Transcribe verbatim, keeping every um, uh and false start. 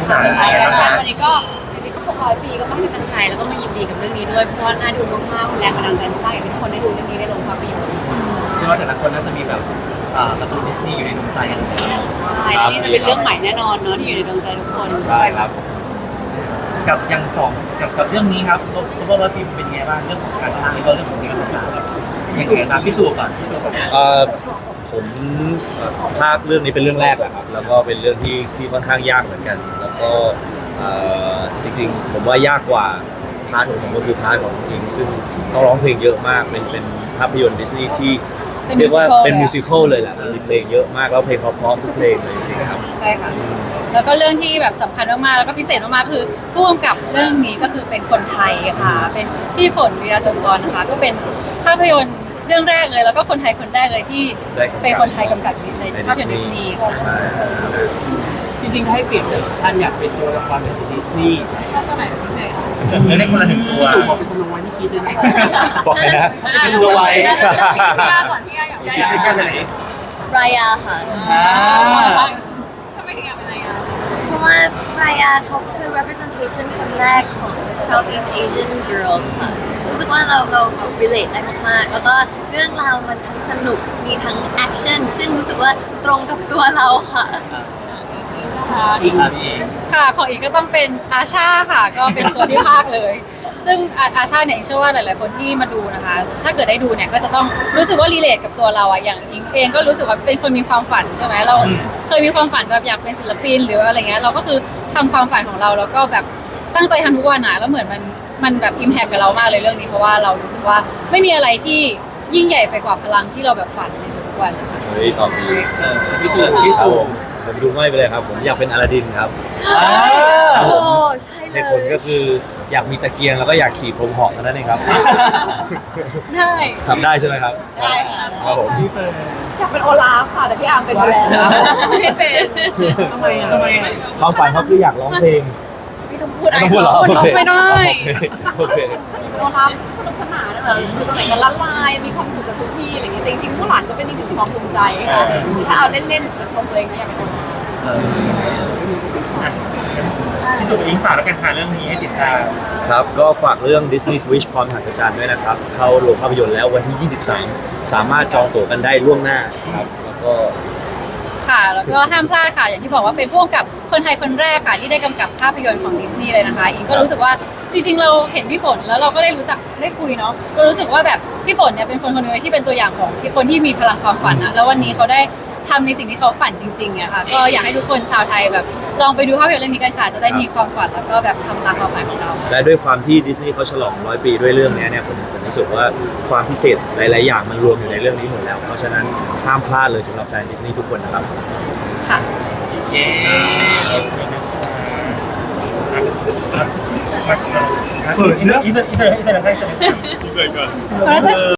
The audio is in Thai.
ค่ะใช่ค่ะวันนี้ก็จริงๆก็ครบร้อยปีก็มาให้กำลังใจแล้วก็มายินดีกับเรื่องนี้ด้วยเพราะว่าน่าดูมากๆแรงบันดาลใจมากๆอยากให้ทุกคนได้ดูเรื่องนี้ได้ลงภาพยนตร์เชื่อว่าแต่ละคนน่าจะมีแบบการ์ตูนดิสนีย์อยู่ในดวงใจกันเลยใช่และนี่จะเป็นเรื่องใหม่แน่นอนเนาะที่อยู่ในดวงใจทุกคนใช่ครับกับยังสองกับกับเรื่องนี้ครับตัวร้อยปีเป็นไงบ้างเรื่องของการทางแล้วก็เรื่องของการทำงานครับยังไงครับพี่ตู่ก่อนพี่ตู่ก่อนเอ่อผมเอ่อภาคเรื่องนี้เป็นเรื่องแรกแหละครับแล้วก็เป็นเรื่องที่ที่ค่อนข้างยากเหมือนกัน แล้วก็เอ่อจริงๆ ผมว่ายากกว่าพาร์ทของผมก็คือพาร์ทของอิงซึ่งต้องร้องเพลงเยอะมากเป็นเป็นภาพยนตร์ดิสนีย์ที่เรียกว่าเป็นมิวสิควลเลยแหละมันมีเพลงเยอะมากแล้วเพลงเพราะๆทุกเพลงเลยจริงๆครับใช่ค่ะแล้วก็เรื่องที่แบบสำคัญมากๆแล้วก็พิเศษมากๆคือผู้กำกับเรื่องนี้ก็คือเป็นคนไทยค่ะเป็นพี่ฝนวีระสุนทรนะคะก็เป็นภาพยนตร์เรื่องแรกเลยแล้วก็คนไทยคนแรกเลยที่เป็นคนไทยกำกับในภาพยนตร์ดิสนีย์ค่ะใช่จริงๆถ้าให้เปรียบเลยท่านอยากเป็นตัวละครแบบดิสนีย์ชอบตัวไหนเป็นพิเศษคะเรื่องได้คนละหนึ่งตัวตู่บอกเป็นสโนไวท์นี่คิดด้วยนะบอกเลยนะเป็นสโนไวท์พี่ก่อนพี่อยากอยากเป็นกันไหนรายาค่ะอ่าทำไมถึงอยากเป็นอะไรอ่ะเพราะว่ารายาเขาคือ representation คนแรกของ Southeast Asian girls ค่ะ รู้สึกว่าเราเราแบบ relate ได้มากๆ แล้วก็เรื่องราวมันทั้งสนุก มีทั้ง action ซึ่งรู้สึกว่าตรงกับตัวเราค่ะอีกครับพี่เองค่ะของอีกก็ต้องเป็นอาชาค่ะก็เป็นตัวที่ภาคเลย ซึ่งอาอาชาเนี่ยอิงเชื่อว่าหลาย ๆ คนที่มาดูนะคะ ถ้าเกิดได้ดูเนี่ยก็จะต้องรู้สึกว่ารีเลทกับตัวเราอะอย่างอิงเองก็รู้สึกว่าเป็นคนมีความฝันใช่ไหมเราเคยมีความฝันแบบอยากเป็นศิลปินหรือว่าอะไรเงี้ยเราก็คือทำความฝันของเราแล้วก็แบบตั้งใจทำทุกวันนะแล้วเหมือนมันมันแบบอิมแพคกับเรามากเลยเรื่องนี้เพราะว่าเรารู้สึกว่าไม่มีอะไรที่ยิ่งใหญ่ไปกว่าพลังที่เราแบบฝันในทุกๆวันค่ะเฮ้ยตอบดีพี่ตู่พี่ครับตู่ผมผมดูไม่ไปเลยครับ ผมอยากเป็นอลาดินครับโอ้ใช่เลเหตุผลยก็คืออยากมีตะเกียงแล้วก็อยากขี่พรมเหาะเท่านั้นเองครับได้ทำได้ใช่ไหมครับได้ค่ะครับผมพี่เฟิร์นอยากเป็นโอลาฟค่ะแต่พี่อาร์มเป็นแล้วไม่เป็นทำไมอ่ะทำไมอ่ะความฝันเขาคืออยากร้องเพลงไม่ต้องพูดอะไรไม่ต้องพูดเหรอพูดโอเคไม่ได้โอเคโอลาฟสนุกสนานนะคะคือตรงไหนก็ละลายมีความสุขกับทุกที่อะไรอย่างเงี้ยแต่จริงๆผู้หลานก็เป็นอีกหนึ่งความภูมิใจค่ะถ้าเอาเล่นๆแบบตรงเลยก็อยากเป็นโอลาฟพี่ตู่อิงฝากแล้วกันค่ะเรื่องนี้ให้ติดตามครับ ก็ฝากเรื่อง Disney Switch พรมหัศจรรย์ด้วยนะครับ เข้าโรงภาพยนตร์แล้ววันที่ ยี่สิบสาม สามารถจองตั๋วกันได้ล่วงหน้าครับ แล้วก็ค่ะแล้วก็ห้ามพลาดค่ะอย่างที่บอกว่าเป็นพวกกับคนไทยคนแรกค่ะที่ได้กำกับภาพยนตร์ของดิสนีย์เลยนะคะอิงก็รู้สึกว่าจริงๆเราเห็นพี่ฝนแล้วเราก็ได้รู้จักได้คุยเนาะเรารู้สึกว่าแบบพี่ฝนเนี่ยเป็นคนคนหนึงที่เป็นตัวอย่างของคนที่มีพลังความฝันนะแล้ววันนี้เขาได้ทำในสิ่งที่เขาฝันจริงๆอะค่ะก็อยากให้ทุกคนชาวไทยแบบลองไปดูภาพยนตร์เรื่องนี้กันค่ะจะได้มีความฝันแล้วก็แบบทำตามความฝันของเราและด้วยความที่ดิสนีย์เขาฉลองร้อยปีด้วยเรื่องนี้เนี่ยผมผมรู้สึกว่าความพิเศษหลาย ๆ อย่างมันรวมอยู่ในเรื่องนี้หมดแล้ว เพราะฉะนั้นห้ามพลาดเลยสำหรับแฟนดิสนีย์ทุกคนนะครับค่ะเย้ฝืนเนอะอีเซอร์อีเซอร์อีเซอร์ให้เซอร์ให้เซอร์ก่อน